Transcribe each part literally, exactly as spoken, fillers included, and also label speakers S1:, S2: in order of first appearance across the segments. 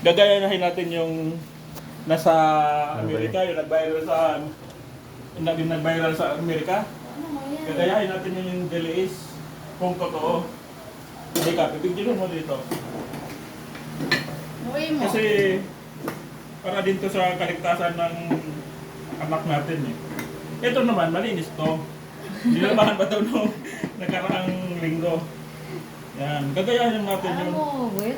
S1: Gagayahin natin yung nasa
S2: Ano ba
S1: Amerika, yung nag-viral sa yung nag- yung nag-viral sa Amerika.
S3: Ano mo yan?
S1: Gagayahin natin yun yung deliis kung totoo. Hindi ka, pipigilin mo dito.
S3: Uwi mo.
S1: Kasi para din to sa kaligtasan ng anak natin eh. Ito naman, malinis to. Nilabahan ba ito nung nakaraang linggo? Yan, gagayahin natin
S3: Ano
S1: yung...
S3: mo, wait.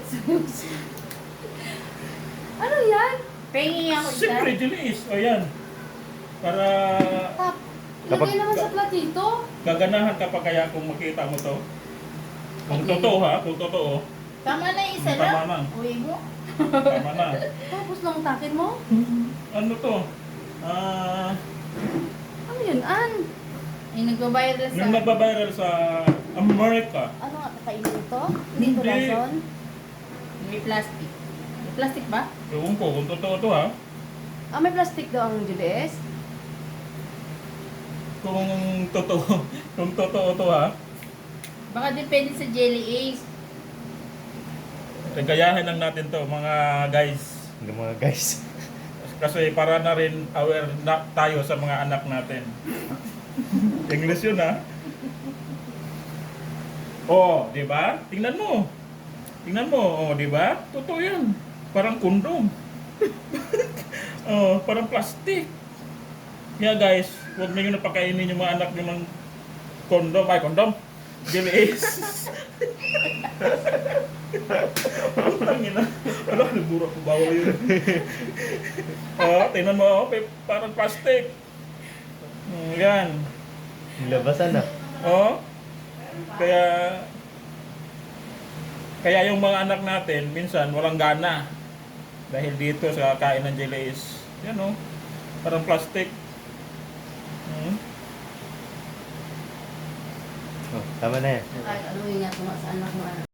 S3: Ano yan? Pengi ako isa.
S1: Siyempre, deliis. O yan. Para
S3: Tap.
S2: Kapag-
S3: Ilagay naman sa platito.
S1: gaganahan ka pa kaya kung makita mo to. Kung
S3: Okay.
S1: totoo ha, kung totoo.
S3: Tama na yung isa
S1: Tama
S3: na.
S1: na.
S3: Uwi mo.
S1: Tama na.
S3: Tapos lang takin mo.
S1: Ano to? Ah,
S3: Ano yun, An? Yung nagbabayad na sa...
S1: yung nagbabiral sa Amerika.
S3: Ano nga, kakainin ito? Hindi ito
S1: Hindi.
S3: lason? May plastic. May plastic ba?
S1: Ewan ko kung totoo to ha.
S3: Ah, may plastic daw ang J D S?
S1: Kung totoo, kung totoo to ha.
S3: Baka depende sa Jelly Ace.
S1: Gayahin lang natin to mga guys.
S2: Yung mga guys.
S1: Kasi para na rin aware na tayo sa mga anak natin. English yun ha. Oh, di ba? Tingnan mo. Tingnan mo, oh, di ba? Totoo yan. Parang kondom. Oh, parang plastic. Kaya guys, huwag niyo napakainin yung mga anak niyo ng kondom. Ay, kondom. Jelly Ace. Ang ina. Ano, nabura ko. Bawal yun. Oh, tingnan mo, oh, pe- parang plastic. Mm, yan.
S2: Labasan na.
S1: Oh. Kaya kaya yung mga anak natin minsan walang gana dahil dito sa kain ng Jelly Ace. Yan oh. Parang plastic. Hmm.
S2: Oh, tama na yan.
S3: Ay, ano yung nga sa anak mo, ano?